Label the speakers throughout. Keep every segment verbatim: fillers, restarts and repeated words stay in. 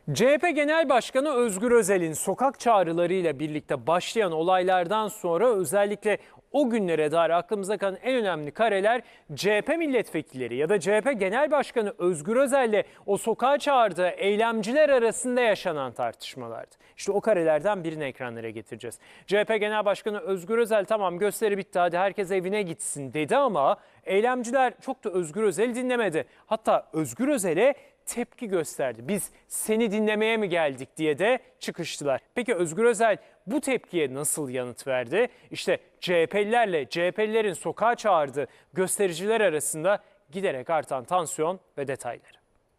Speaker 1: C H P Genel Başkanı Özgür Özel'in sokak çağrılarıyla birlikte başlayan olaylardan sonra özellikle o günlere dair aklımıza kalan en önemli kareler C H P milletvekilleri ya da C H P Genel Başkanı Özgür Özel'le o sokağa çağırdığı eylemciler arasında yaşanan tartışmalardı. İşte o karelerden birini ekranlara getireceğiz. C H P Genel Başkanı Özgür Özel tamam gösteri bitti hadi herkes evine gitsin dedi ama eylemciler çok da Özgür Özel'i dinlemedi. Hatta Özgür Özel'e tepki gösterdi. Biz seni dinlemeye mi geldik diye de çıkıştılar. Peki Özgür Özel bu tepkiye nasıl yanıt verdi? İşte C H P'lilerle C H P'lilerin sokağa çağırdığı göstericiler arasında giderek artan tansiyon ve detayları.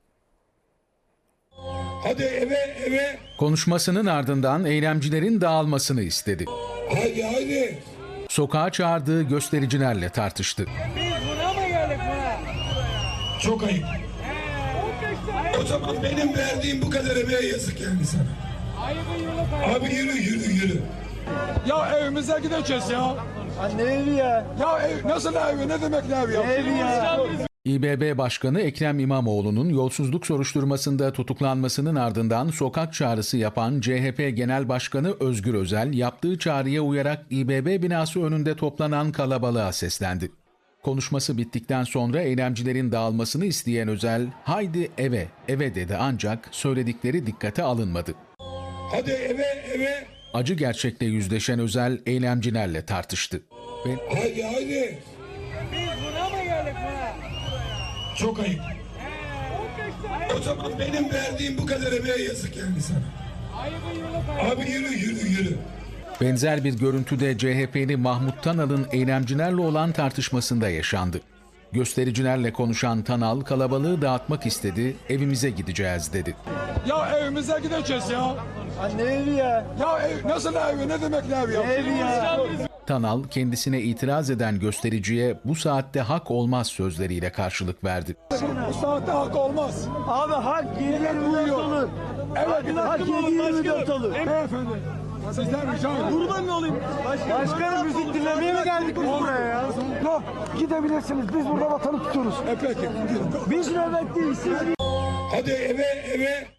Speaker 2: Hadi eve eve.
Speaker 3: Konuşmasının ardından eylemcilerin dağılmasını istedi.
Speaker 2: Hadi hadi.
Speaker 3: Sokağa çağırdığı göstericilerle tartıştı.
Speaker 4: Biz buna mı geldik buna?
Speaker 2: Çok ayıp. O zaman benim verdiğim bu kadar emeğe yazık yani sana.
Speaker 4: Ayıbı yolu
Speaker 2: Abi yürü yürü yürü.
Speaker 5: Ya evimize gideceğiz ya.
Speaker 6: Anne evi ya.
Speaker 5: Ya ev, nasıl evi? Ne demek ne evi ya?
Speaker 6: Evi ya.
Speaker 3: İ B B Başkanı Ekrem İmamoğlu'nun yolsuzluk soruşturmasında tutuklanmasının ardından sokak çağrısı yapan C H P Genel Başkanı Özgür Özel yaptığı çağrıya uyarak İ B B binası önünde toplanan kalabalığa seslendi. Konuşması bittikten sonra eylemcilerin dağılmasını isteyen Özel, "Haydi eve, eve" dedi ancak söyledikleri dikkate alınmadı.
Speaker 2: Hadi eve eve.
Speaker 3: Acı gerçekle yüzleşen Özel eylemcilerle tartıştı. Ve
Speaker 2: Hadi hadi.
Speaker 4: Biz buna mı geldik buna?
Speaker 2: Çok ayıp. O zaman benim verdiğim bu kadar emeğe yazık yani sana.
Speaker 4: Ayıbı yolu
Speaker 2: Abi yürü yürü yürü.
Speaker 3: benzer bir görüntüde C H P'li Mahmut Tanal'ın eylemcilerle olan tartışmasında yaşandı. Göstericilerle konuşan Tanal kalabalığı dağıtmak istedi, evimize gideceğiz dedi.
Speaker 5: Ya evimize gideceğiz ya.
Speaker 6: Anne evi ya.
Speaker 5: Ya ev, nasıl evi? Ne demek ne evi ya?
Speaker 6: Evi ya.
Speaker 3: Tanal kendisine itiraz eden göstericiye bu saatte hak olmaz sözleriyle karşılık verdi.
Speaker 5: Bu saatte hak olmaz.
Speaker 6: Abi hak yedi yirmi dört olur.
Speaker 5: Evet.
Speaker 6: Hak yedi yirmi dört olur.
Speaker 5: Beyefendi. Sizden rica ediyorum.
Speaker 6: Kurban mı olayım? Başkanım müzik dinlemeye mi geldik biz buraya ya?
Speaker 7: Yok, gidebilirsiniz. Biz burada vatanı tutuyoruz.
Speaker 5: E peki.
Speaker 6: Biz nöbetteyiz. Siz
Speaker 2: Hadi eve eve.